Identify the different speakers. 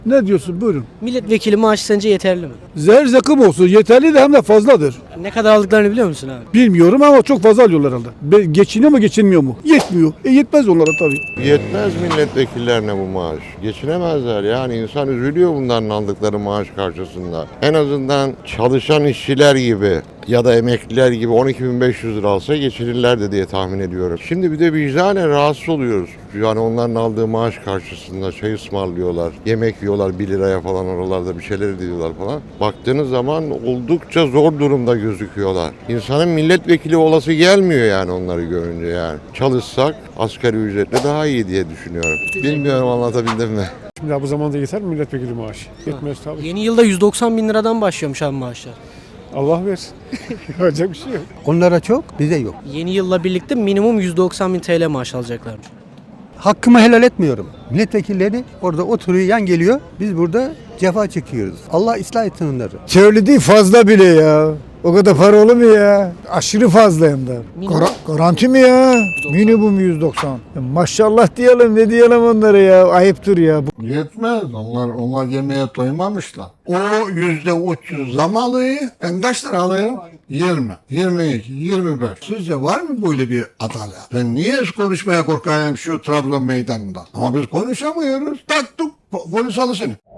Speaker 1: Ne diyorsun? Buyurun.
Speaker 2: Milletvekili maaşı sence yeterli mi?
Speaker 1: Zerzakım olsun. Yeterli de hem de fazladır.
Speaker 2: Ne kadar aldıklarını biliyor musun abi?
Speaker 1: Bilmiyorum ama çok fazla alıyorlar herhalde. Geçiniyor mu geçinmiyor mu? Yetmiyor. Yetmez onlara tabii.
Speaker 3: Yetmez milletvekillerine bu maaş. Geçinemezler yani insan üzülüyor bunların aldıkları maaş karşısında. En azından çalışan işçiler gibi ya da emekliler gibi 12.500 lira alsa geçinirlerdi diye tahmin ediyorum. Şimdi bir de vicdanen rahatsız oluyoruz. Yani onların aldığı maaş karşısında çay ısmarlıyorlar, yemek yiyorlar 1 liraya falan oralarda bir şeyler ediyorlar falan. Baktığınız zaman oldukça zor durumda gözüküyorlar. İnsanın milletvekili olası gelmiyor yani onları görünce yani. Çalışsak asgari ücretle daha iyi diye düşünüyorum. Bilmiyorum anlatabildim mi?
Speaker 4: Şimdi bu zamanda yeter mi milletvekili maaşı? Yetmez tabii.
Speaker 2: Yeni yılda 190 bin liradan başlıyormuş abi maaşlar.
Speaker 4: Allah versin. Yapacak bir şey yok.
Speaker 5: Onlara çok, bize yok.
Speaker 2: Yeni yılla birlikte minimum 190 bin TL maaş alacaklarmış.
Speaker 5: Hakkımı helal etmiyorum. Milletvekilleri orada oturuyor, yan geliyor. Biz burada cefa çekiyoruz. Allah ıslah etsin onları.
Speaker 6: Çevreli değil fazla bile ya. O kadar para olur mu ya? Aşırı fazla hem de.
Speaker 2: Minimum.
Speaker 6: Garanti mi ya?
Speaker 2: 190.
Speaker 6: Minimum 190. Ya maşallah diyelim ne diyelim onlara ya. Ayıptır ya.
Speaker 7: Yetmez. Onlar yemeğe doymamışlar. O %300 zam alıyor. Ben kaç lira alıyorum? 20, 22, 25. Sizce var mı böyle bir adalet? Ben niye konuşmaya korkayım şu Trabzon meydanında? Ama biz konuşamıyoruz. Taktık polis alışını.